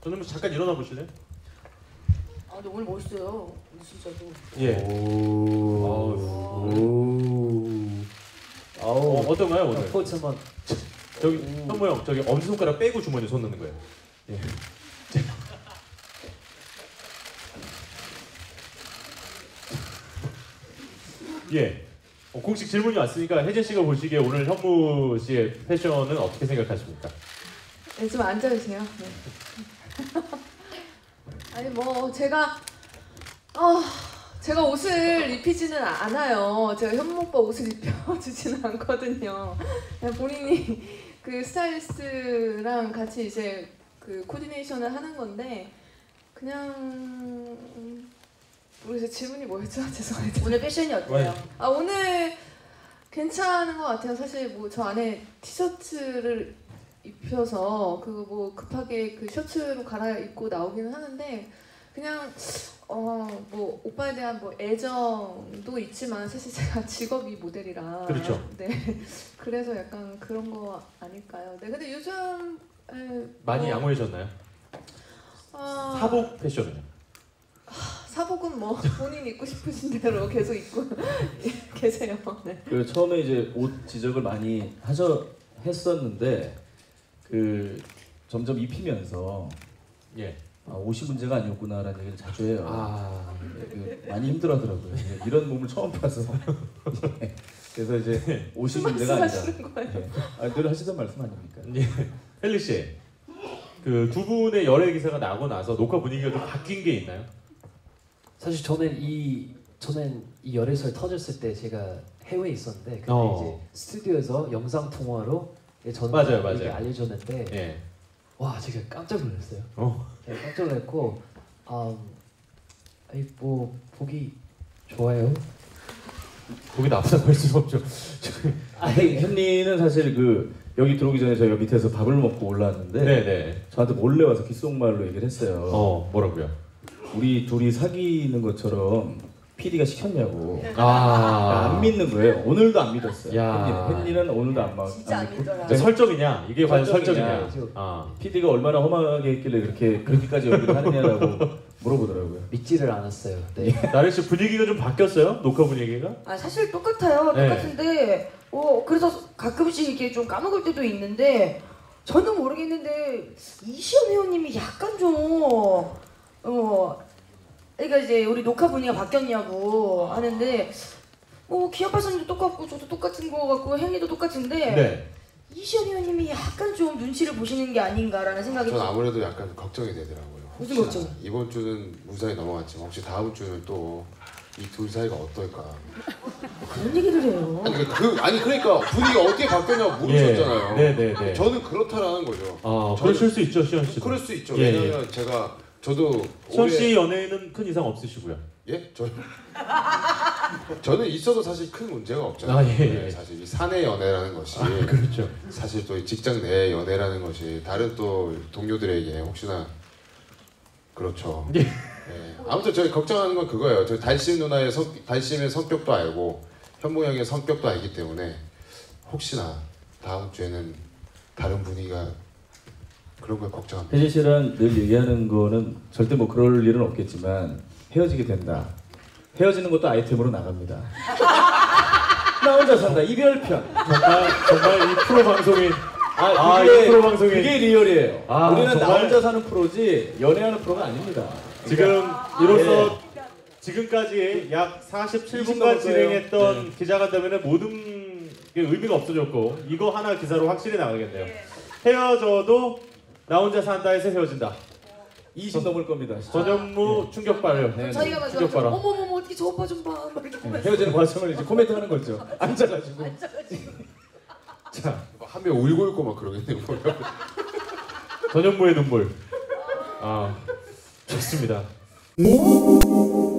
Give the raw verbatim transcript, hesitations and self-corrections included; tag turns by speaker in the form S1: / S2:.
S1: 전현무 씨 잠깐 일어나 보실래요?
S2: 아 근데 오늘 멋있어요. 진짜로.
S1: 예.
S3: 오. 오.
S1: 어, 어떤가요 오늘?
S3: 포즈 한번.
S1: 저기 현무 형 저기 엄지 손가락 빼고 주머니에 손 넣는 거예요. 예. 예. 어, 공식 질문이 왔으니까 혜진 씨가 보시기에 오늘 현무 씨의 패션은 어떻게 생각하십니까?
S2: 네, 좀 앉아주세요. 네. 아니 뭐 제가 어, 제가 옷을 입히지는 않아요. 제가 현무 오빠 옷을 입혀주지는 않거든요. 그냥 본인이 그 스타일리스트랑 같이 이제 그 코디네이션을 하는 건데 그냥 모르겠어요. 질문이 뭐였죠? 죄송해요.
S4: 오늘 패션이 어때요?
S2: 아 오늘 괜찮은 것 같아요. 사실 뭐 저 안에 티셔츠를 입혀서 그거 뭐 급하게 그 셔츠로 갈아입고 나오기는 하는데 그냥 어 뭐 오빠에 대한 뭐 애정도 있지만 사실 제가 직업이 모델이라
S1: 그렇죠.
S2: 네 그래서 약간 그런 거 아닐까요? 네 근데 요즘 에,
S1: 많이
S2: 뭐,
S1: 양호해졌나요?
S2: 어,
S1: 사복 패션은요?
S2: 사복은 뭐 본인 입고 싶으신 대로 계속 입고 계세요. 네.
S3: 그 처음에 이제 옷 지적을 많이 하셔 했었는데 그 점점 입히면서
S1: 예.
S3: 아, 옷이 문제가 아니었구나라는 얘기를 자주 해요.
S1: 아.
S3: 그 많이 힘들어하더라고요. 예, 이런 몸을 처음 봐서. 예, 그래서 이제 옷이 문제가 아니다. 예. 아, 늘 하시던 말씀 아닙니까?
S1: 예. 헬리 씨, 그 두 분의 열애 기사가 나고 나서 녹화 분위기가 좀 바뀐 게 있나요?
S5: 사실 저는 이 저는 이 열애설 터졌을 때 제가 해외에 있었는데 근데
S1: 어.
S5: 이제 스튜디오에서 영상 통화로 저는
S1: 맞아요,
S5: 이렇게
S1: 맞아요.
S5: 알려줬는데
S1: 예.
S5: 와 제가 깜짝 놀랐어요.
S1: 어.
S5: 네, 깜짝 놀랐고 음, 아니 뭐 보기 좋아요.
S1: 거기 나쁘다고 할 수는 없죠.
S3: 아니 현리는 사실 그 여기 들어오기 전에 저희가 밑에서 밥을 먹고 올라왔는데
S1: 네네.
S3: 저한테 몰래 와서 귓속말로 얘기를 했어요.
S1: 어 뭐라고요?
S3: 우리 둘이 사귀는 것처럼 피디가 시켰냐고.
S1: 아.
S3: 안 믿는 거예요. 오늘도 안 믿었어요.
S1: 야.
S3: 헨리는, 헨리는 오늘도 안, 막,
S4: 진짜 안
S3: 믿고.
S4: 믿더라.
S1: 네, 설정이냐? 이게 과연 설정이냐?
S3: 설정이냐?
S1: 아.
S3: 피디가 얼마나 험하게 했길래 그렇게 그렇게까지 연기를 하느냐라고 물어보더라고요.
S5: 믿지를 않았어요. 네.
S1: 나래 씨 분위기가 좀 바뀌었어요? 녹화 분위기가?
S4: 아 사실 똑같아요.
S1: 네.
S4: 똑같은데 어 그래서 가끔씩 이렇게 좀 까먹을 때도 있는데 저는 모르겠는데 이시연 회원님이 약간 좀 어. 그러니까 이제 우리 녹화 분위기가 바뀌었냐고 하는데 뭐 기아파선님도 똑같고 저도 똑같은 거 같고 헨리도 똑같은데
S1: 네.
S4: 이시연 의원님이 약간 좀 눈치를 보시는 게 아닌가라는 생각이
S6: 전 아무래도 약간 걱정이 되더라고요.
S4: 무슨
S6: 혹시나
S4: 걱정?
S6: 이번 주는 무사히 넘어갔지만 혹시 다음 주는 또 이 둘 사이가 어떨까?
S4: 그런 얘기를 해요.
S6: 아니, 그, 아니 그러니까 분위기가 어떻게 바뀌었냐고 물으셨잖아요.
S1: 예. 네네네.
S6: 저는 그렇다라는 거죠.
S1: 아,
S6: 저는-
S1: 그러실 수 있죠, 시현 씨.
S6: 그럴 수 있죠.
S1: 예,
S6: 왜냐면 제가 저도
S1: 시현
S6: 올해-
S1: 씨 연애에는 큰 이상 없으시고요.
S6: 예? 저 저는 있어도 사실 큰 문제가 없잖아요.
S1: 아, 예, 예.
S6: 네, 사실 이 사내 연애라는 것이
S1: 아, 그렇죠.
S6: 사실 또 직장 내 연애라는 것이 다른 또 동료들에게 혹시나 그렇죠.
S1: 예.
S6: 네. 아무튼 저희 걱정하는 건 그거예요. 저 달심 누나의 성, 달심의 성격도 알고 현무 형의 성격도 알기 때문에 혹시나 다음 주에는 다른 분위기가 그런 걸 걱정합니다.
S3: 혜진 씨랑 늘 얘기하는 거는 절대 뭐 그럴 일은 없겠지만 헤어지게 된다. 헤어지는 것도 아이템으로 나갑니다. 나 혼자 산다. 이별편.
S1: 정말 정말 이 프로 방송인
S3: 아,
S1: 아,
S3: 그게,
S1: 이 프로 방송이-
S3: 그게 리얼이에요.
S1: 아,
S3: 우리는 나
S1: 정말-
S3: 혼자 사는 프로지 연애하는 프로가 아닙니다.
S1: 지금
S3: 그러니까-
S1: 이로써
S3: 네.
S1: 지금까지 약 사십칠
S3: 이십
S1: 분간
S3: 넘었어요.
S1: 진행했던
S3: 네.
S1: 기자간담회는 모든 게 의미가 없어졌고 이거 하나 기사로 확실히 나가겠네요. 헤어져도 나 혼자 산다에서 헤어진다.
S3: 이십 넘을 겁니다.
S1: 전현무 충격발요.
S3: 네,
S4: 저희가 막
S1: 충격발화.
S4: 어머머머 어떻게 저 오빠 좀 봐. 막 이렇게
S3: 네,
S4: 보면서
S3: 헤어지는 과정을 이제 코멘트 하는 거죠. 앉아가지고.
S1: 자,
S6: 한 명 울고 있고 막 그러겠네요.
S1: 전현무의 눈물. 아, 좋습니다.